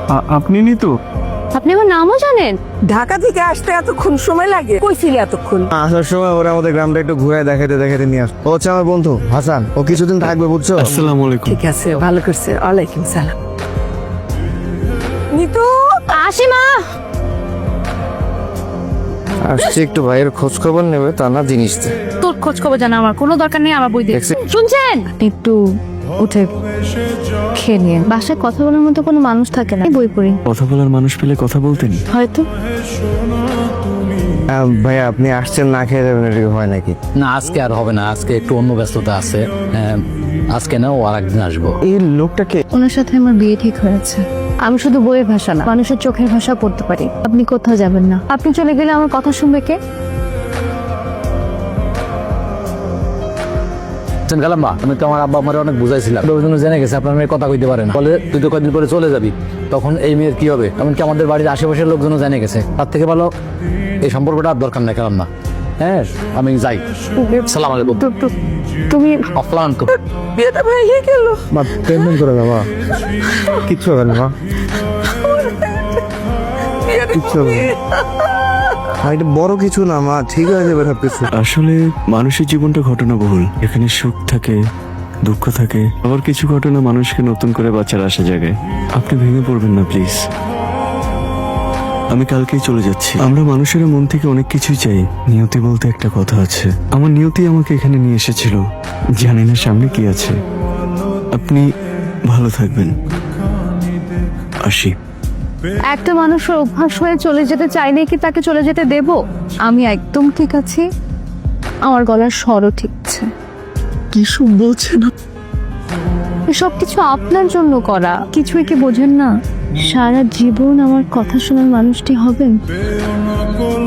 আপনি নিতু? আপনি আমার নামও জানেন? ঢাকা থেকে আসতে এতক্ষণ সময় লাগে? কইছিলি এতক্ষণ? আসার সময় ওরা আমাদের গ্রামটা একটু ঘুরে দেখাতে দেখাতে নিয়ে আসে। ও হচ্ছে আমার বন্ধু হাসান, ও কিছুদিন থাকবে বুঝছো। আসসালামু আলাইকুম। ঠিক আছে, ভালো করছে। ওয়ালাইকুম সালাম। নিতু, আসি মা। আসছে একটু ভাইয়ের খোঁজ খবর নেবে, তা না জিনিস দে। তোর খোঁজ খবর জানা আমার কোনো দরকার নেই, আমার বই দিয়ে দেখছি। শুনছেন? একটু উঠে খেয়ে নিয়ে বাসায় কথা বলার মতো কোনো মানুষ থাকে না, বই পড়ি কথা বলার মানুষ পেলে কথা বলতেন। হয়তো। ভাইয়া আপনি আসছেন না খেয়ে যাবেন, এটা কি হয় নাকি? না আজকে আর হবে না, আজকে একটু অন্য ব্যস্ততা আছে। আজকে না, ও আর একদিন আসবো। এই লোকটাকে ওনার সাথে আমার বিয়ে ঠিক হয়েছে। আমি শুধু বইয়ের ভাষা না, মানুষের চোখের ভাষা পড়তে পারি। আপনি কোথাও যাবেন না, আপনি চলে গেলে আমার কথা শুনবে কে? গেলাম বা আমি তো আমার আব্বা আমার অনেক বুঝাইছিলাম, ওই জন্য জেনে গেছে আপনার মেয়ে কথা কইতে পারেন, বলে তুই তো কয়েকদিন পরে চলে যাবি, তখন এই মেয়ের কি হবে? এমনকি আমাদের বাড়ির আশেপাশের লোকজনও জেনে গেছে। তার থেকে ভালো এই সম্পর্কটা আর দরকার নাই, গেলাম না। হ্যাঁ আমি যাই। সালাম আলাইকুম। তুমি অফলান তো বিয়েটা ভেঙে গেল। মা পেমেন্ট করে দাও মা, কিচ্ছু হবে না মা, কিচ্ছু হবে না। এটা বড় কিছু না মা, ঠিক হয়ে যাবে সব কিছু। আসলে মানুষের জীবনটা ঘটনাবহুল, এখানে সুখ থাকে, দুঃখ থাকে, আবার কিছু ঘটনা মানুষকে নতুন করে বাঁচার আশা জাগায়। আপনি ভেঙে পড়বেন না প্লিজ। আমি কালকেই চলে যাচ্ছি। আমরা মানুষেরা মন থেকে অনেক কিছুই চাই, নিয়তি বলতে একটা কথা আছে। আমার নিয়তি আমাকে এখানে নিয়ে এসেছিল, জানি না সামনে কি আছে। আপনি ভালো থাকবেন, আসি। একটা মানুষের অভ্যাস হয়ে চলে যেতে চাইলে কি তাকে চলে যেতে দেব? আমি একদম ঠিক আছি, আমার গলার স্বরও ঠিক আছে। কি সব বলছেন? এসব কিছু আপনার জন্য করা, কিছুই কি বোঝেন না? সারা জীবন আমার কথা শোনার মানুষটি হবেন।